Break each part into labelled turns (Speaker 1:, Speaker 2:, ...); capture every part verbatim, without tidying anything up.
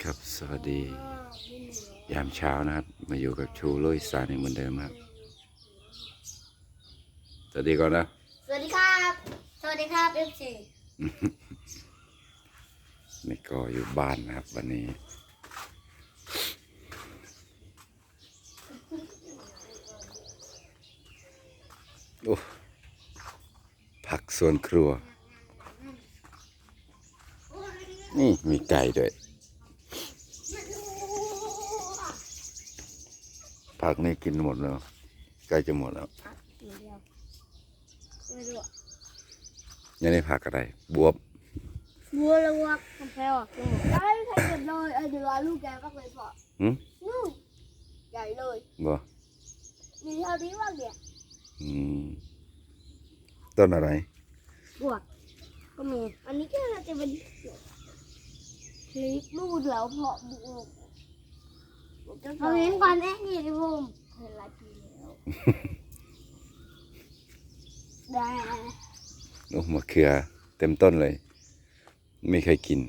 Speaker 1: ครับสวัสดียามเช้านะครับมาอยู่กับชูโรยสานเหมือนเดิมครับสวัสดีก่อนนะ
Speaker 2: สวัสดีครับสวัสดีครับเอฟซี
Speaker 1: นี่ก็อยู่บ้านนะครับวันนี้โอ้ผักสวนครัวนี่มีไก่ด้วยผักนี่กินหมดแล้วใกล้จะหมดแล้วยังได้ผักอะไรบวบ
Speaker 2: บัวละวักกาแฟออกจมูกได้ใครเกิดเลยเออเดี๋ยวลูกแกก็เลยพอ
Speaker 1: หืม
Speaker 2: ลูกใหญ่เลย
Speaker 1: บ่
Speaker 2: มีเท่านี้ว่างเดียว
Speaker 1: อืมต้นอะไร
Speaker 2: บวกก็มีอันนี้ก็จะเป็นคลิปลูกแล้วเพาะบวกเอาเห็นก่อนเอ๊ะนี่ดิผมเห็นหลายปีแล้วได้
Speaker 1: โอ้มะเขือเต็มต้นเลยไม่เคยกิน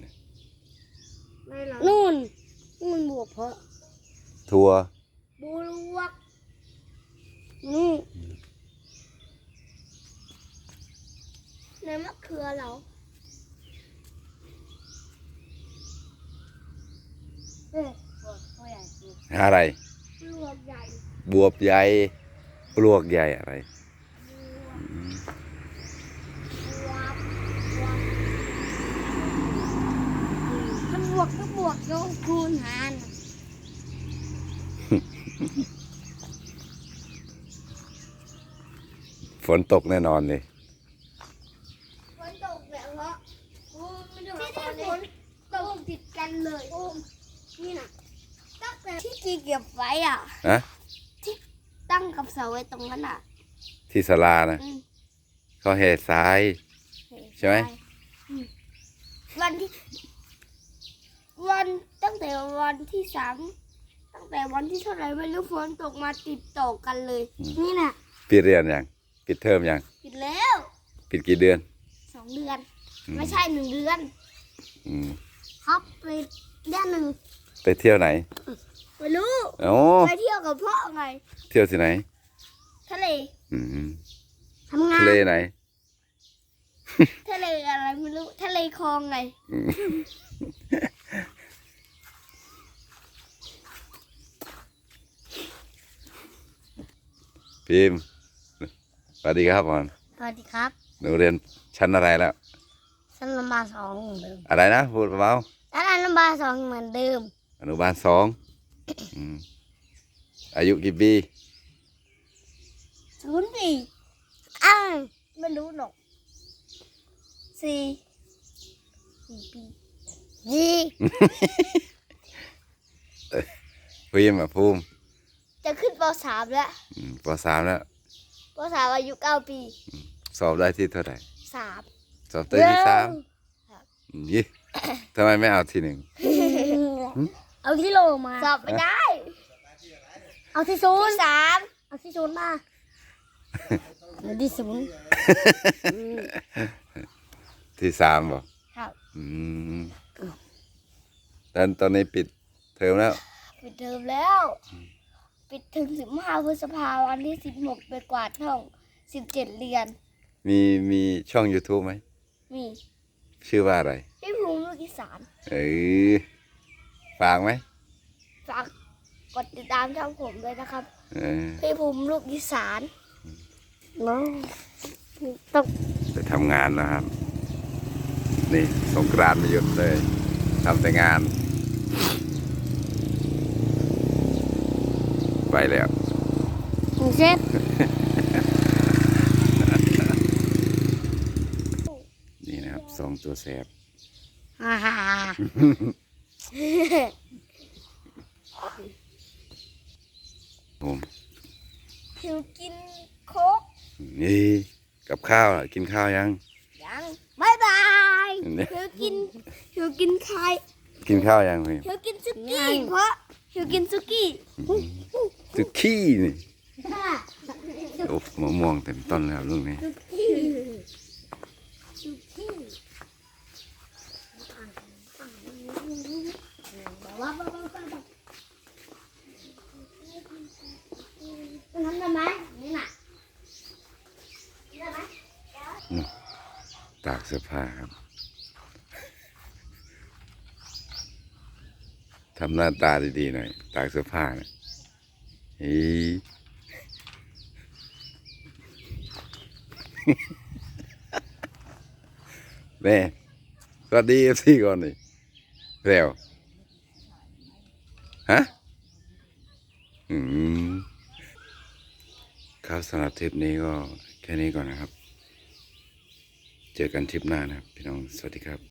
Speaker 2: นู่นนู่นบวกเพาะ
Speaker 1: ถั่ว
Speaker 2: บวกนี่ในมะเขือเหรอเอ๊ะบวกใหญ่
Speaker 1: อะไร
Speaker 2: บวกใหญ่
Speaker 1: บวบใหญ่ปลวกใหญ่อะไร
Speaker 2: บวกก็บวกโยคูณหาร
Speaker 1: ฝนตกแน่นอนเลย
Speaker 2: ฝนตกแบบเพราะที่นี่ฝนตกติดกันเลยนี่นะตั้งแต่ที่กีเก็บไว้อ่ะ
Speaker 1: ฮะ
Speaker 2: ที่ตั้งกับเสาไว้ตรงนั้นอ่ะ
Speaker 1: ที่ศาลานะเขาแห่ทรายใช่ไหม
Speaker 2: วันที่วันตั้งแต่วันที่สามตั้งแต่วันที่เท่าไหร่ไม่รู้ฝนตกมาติดต่อกันเลยนี่น่ะ
Speaker 1: ปิดเรียนยังปิดเทอมยัง
Speaker 2: ปิดแล้ว
Speaker 1: ปิดกี่เดือน
Speaker 2: สองเดือนไม่ใช่หนึ่งเดือนครับไปเดือนหนึ่ง
Speaker 1: ไปเที่ยวไหน
Speaker 2: ไม่รู้ไปเที่ยวกับพ่อไง
Speaker 1: เที่ยวที่ไหน
Speaker 2: ทะเล
Speaker 1: ทำงานทะเลไหน
Speaker 2: ทะเลอะไรไม่รู้ทะเลคลองไง
Speaker 1: พิมพ์สวัสดีครับบอล
Speaker 2: สวัสดีครับ
Speaker 1: หนูเรียนชั้นอะไรแล้ว
Speaker 2: ชั้นอนุบาลสองเหมือนเดิม
Speaker 1: อะไรนะพูดเบา
Speaker 2: ชั้นอนุบาลสองเหมือนเดิม
Speaker 1: อนุบาลสองอายุกี่ปี
Speaker 2: ศูนย์ปีอ้าวไม่รู้หรอกสี่สี่ปียี่
Speaker 1: พิมพ์อ่ะภูมิ
Speaker 2: จะขึ้นปสามแล้ว
Speaker 1: ปสามแล้ว
Speaker 2: ปสามอายุเก้าปี
Speaker 1: สอบได้ที่เท่าไหร่
Speaker 2: สาม
Speaker 1: สอบได้ที่สามยี่ทำไมไม่เอาที่หนึ่ง
Speaker 2: เอาที่โลมาสอบไม่ได้เอาที่ศูนย์สามเอาที่ศูนย์มาเอาที่ศูนย์
Speaker 1: ที่สามบอก
Speaker 2: ครับ
Speaker 1: อืมตอนตอนนี้ปิดเทอมแล้ว
Speaker 2: ปิดเทอมแล้วปิดถึงสิบห้าพฤษภาวันที่สิบหกไปกวาดห้องสิบเจ็ดเรียน
Speaker 1: มีมีช่อง YouTube ไหม
Speaker 2: มี
Speaker 1: ชื่อว่าอะไร
Speaker 2: พี่ภูมิลูกอีสาน
Speaker 1: เออฝากไหม
Speaker 2: ฝากกดติดตามช่องผมเลยนะครับพี่ภูมิลูกอีสานน้องต้อง
Speaker 1: ไปทำงานนะครับนี่สงกรานต์ไม่หยุดเลยทำแต่งานไปแล้ว
Speaker 2: เช็ด
Speaker 1: นี่นะครับสองตัวแสบ
Speaker 2: ฮ่าฮ่า
Speaker 1: ผม
Speaker 2: หิวกินโค้ก
Speaker 1: นี่กับข้าวกินข้าวยัง
Speaker 2: ยังบายบายหิวกินหิวกินไข่
Speaker 1: กินข้าวยังพี่
Speaker 2: หิวกินซุกี้เพราะหิวกินซุกี้
Speaker 1: ซุกี้นี่โอ้มะม่วงเต็มต้นแล้วลูกนี้นู่นตากเสื้อผ้าครับ ทำหน้าตาดีๆหน่อย ตากเสื้อผ้านะเฮ้ย แม่สวัสดีเอฟซีก่อนนี่เร็วฮะ อืม ครับสำหรับทริปนี้ก็แค่นี้ก่อนนะครับ เจอกันทริปหน้านะครับ พี่น้อง สวัสดีครับ